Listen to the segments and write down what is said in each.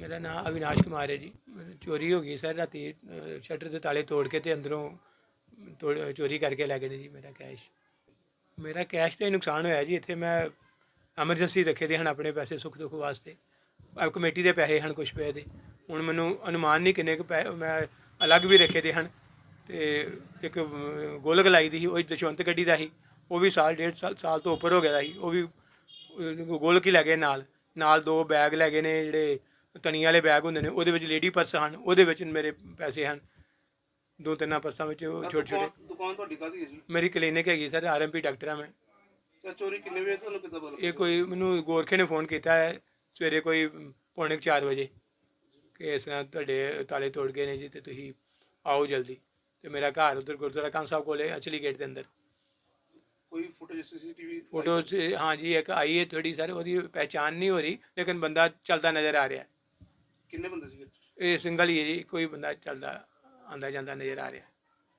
मेरा नाम अविनाश कुमार है जी। चोरी हो गई सर राती, शटर के ताले तोड़ के ते अंदरों चोरी करके लै गए ने जी मेरा कैश तो नुकसान होया जी। इत्थे मैं एमरजेंसी रखे दे हन अपने पैसे सुख दुख वास्ते, कमेटी के पैसे हैं कुछ पे दे। हुण मैनूं अनुमान नहीं किन्ने कुछ पैसे मैं अलग भी रखे दे हैं। तो एक गोलक लाई दी ही, वो दशवंत गड्डी का ही, वो भी साल डेढ़ साल तो उपर हो गया ही, वो भी गोलक ही लै गए। नाल दो बैग लै गए ने जिहड़े तनी वाले बैग होंदे ने, ਉਹਦੇ ਵਿੱਚ लेडी पर्स हैं, ਉਹਦੇ ਵਿੱਚ मेरे पैसे हैं दो ਤਿੰਨਾਂ पर्सा में छोटे छोटे। दुकान ਤੁਹਾਡੀ ਕਾਹਦੀ ਹੈ ਜੀ? मेरी क्लीनिक हैगी सर, RMP डॉक्टर हाँ मैं। ਤੇ ਚੋਰੀ ਕਿੰਨੇ ਵਜੇ ਤੁਹਾਨੂੰ ਕਿੱਦਾਂ ਪਤਾ? ये कोई मैनू गोरखे ने फोन किया है सवेरे कोई 3:45 बजे कि इस तरह तुहाडे ताले तोड़ गए ने जी, तो तुसीं आओ जल्दी। तो मेरा घर उधर गुरुद्वारा कान साहब कोले अचली गेट के अंदर। कोई फुटेज सीसीटीवी फोटो हाँ जी एक आई है थोड़ी सर, वो पहचान नहीं हो रही, लेकिन बंदा चलता नज़र आ रहा है। किन्ने बंदे सी? ये सिंगल ही है जी, कोई बंदा चलता आंदा जांदा नज़र आ रहा है।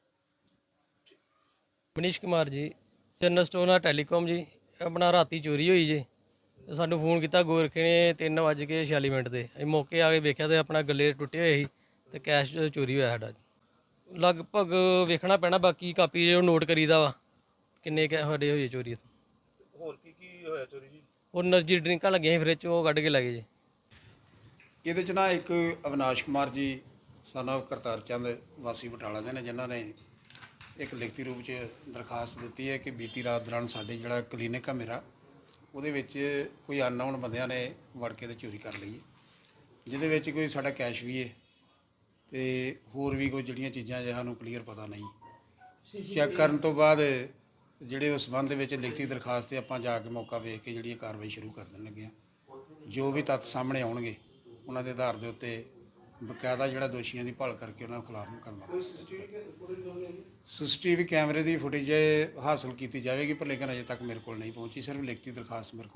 मनीष कुमार जी, जनरल स्टोर ਨਾਲ ਟੈਲੀਕਾਮ ਜੀ। ਆਪਣਾ ਰਾਤੀ ਚੋਰੀ ਹੋਈ ਜੀ, ਸਾਨੂੰ ਫੋਨ ਕੀਤਾ ਗੋਰਖੇ ਨੇ 3:46 ਤੇ। ਅਸੀਂ ਮੌਕੇ ਆ ਕੇ ਵੇਖਿਆ ਤੇ ਆਪਣਾ ਗੱਲੇ ਟੁੱਟੇ ਹੋਏ ਸੀ ਤੇ ਕੈਸ਼ ਚੋਰੀ ਹੋਇਆ ਸਾਡਾ। ਲਗਭਗ ਵੇਖਣਾ ਪੈਣਾ, ਬਾਕੀ ਕਾਪੀ ਜੋ ਨੋਟ ਕਰੀਦਾ ਵਾ ਕਿੰਨੇ ਸਾਡੇ ਹੋਏ ਚੋਰੀ। ਹੋਰ ਕੀ ਹੋਇਆ ਚੋਰੀ ਜੀ? ਉਹ એનર્ਜੀ ਡਰਿੰਕਾਂ ਲੱਗੀਆਂ ਸੀ ਫਰਿੱਜ 'ਚ, ਉਹ ਕੱਢ ਕੇ ਲੈ ਗਏ ਜੀ। ਇਹਦੇ 'ਚ ਨਾ ਇੱਕ ਅਵਿਨਾਸ਼ ਕੁਮਾਰ ਜੀ son of ਕਰਤਾਰ ਚੰਦ ਵਾਸੀ ਬਟਾਲਾ ਦੇ ਨੇ, ਜਿਨ੍ਹਾਂ ਨੇ ਇੱਕ ਲਿਖਤੀ ਰੂਪ 'ਚ ਦਰਖਾਸਤ ਦਿੱਤੀ ਹੈ ਕਿ ਬੀਤੀ ਰਾਤ ਦੌਰਾਨ ਸਾਡੇ ਜਿਹੜਾ ਕਲੀਨਿਕ ਆ ਮੇਰਾ, ਉਹਦੇ ਵਿੱਚ ਕੋਈ ਅਨਨੋਨ ਬੰਦਿਆਂ ਨੇ ਵੜ ਕੇ ਤੇ ਚੋਰੀ ਕਰ ਲਈ ਹੈ, ਜਿਹਦੇ ਵਿੱਚ ਕੋਈ ਸਾਡਾ ਕੈਸ਼ ਵੀ ਹੈ ਤੇ ਹੋਰ ਵੀ ਕੋਈ ਜਿਹੜੀਆਂ ਚੀਜ਼ਾਂ ਜੇ ਸਾਨੂੰ ਕਲੀਅਰ ਪਤਾ ਨਹੀਂ। ਚੈੱਕ ਕਰਨ ਤੋਂ ਬਾਅਦ ਜਿਹੜੇ ਉਸ ਸੰਬੰਧ ਦੇ ਵਿੱਚ ਲਿਖਤੀ ਦਰਖਾਸਤ 'ਤੇ ਆਪਾਂ ਜਾ ਕੇ ਮੌਕਾ ਵੇਖ ਕੇ ਜਿਹੜੀ ਕਾਰਵਾਈ ਸ਼ੁਰੂ ਕਰ ਦੇਣ ਲੱਗੇ ਹਾਂ। ਜੋ ਵੀ ਤੱਥ ਸਾਹਮਣੇ ਆਉਣਗੇ ਉਹਨਾਂ ਦੇ ਆਧਾਰ ਦੇ ਉੱਤੇ ਬਕਾਇਦਾ ਜਿਹੜਾ ਦੋਸ਼ੀਆਂ ਦੀ ਭਾਲ ਕਰਕੇ ਉਹਨਾਂ ਖਿਲਾਫ ਮੁਕੱਦਮਾ। ਸੀਸੀਟੀਵੀ ਕੈਮਰੇ ਦੀ ਫੁਟੇਜ ਹਾਸਲ ਕੀਤੀ ਜਾਵੇਗੀ, ਪਰ ਲੇਕਿਨ ਅਜੇ ਤੱਕ ਮੇਰੇ ਕੋਲ ਨਹੀਂ ਪਹੁੰਚੀ। ਸਿਰਫ ਲਿਖਤੀ ਦਰਖਾਸਤ ਮੇਰੇ ਕੋਲ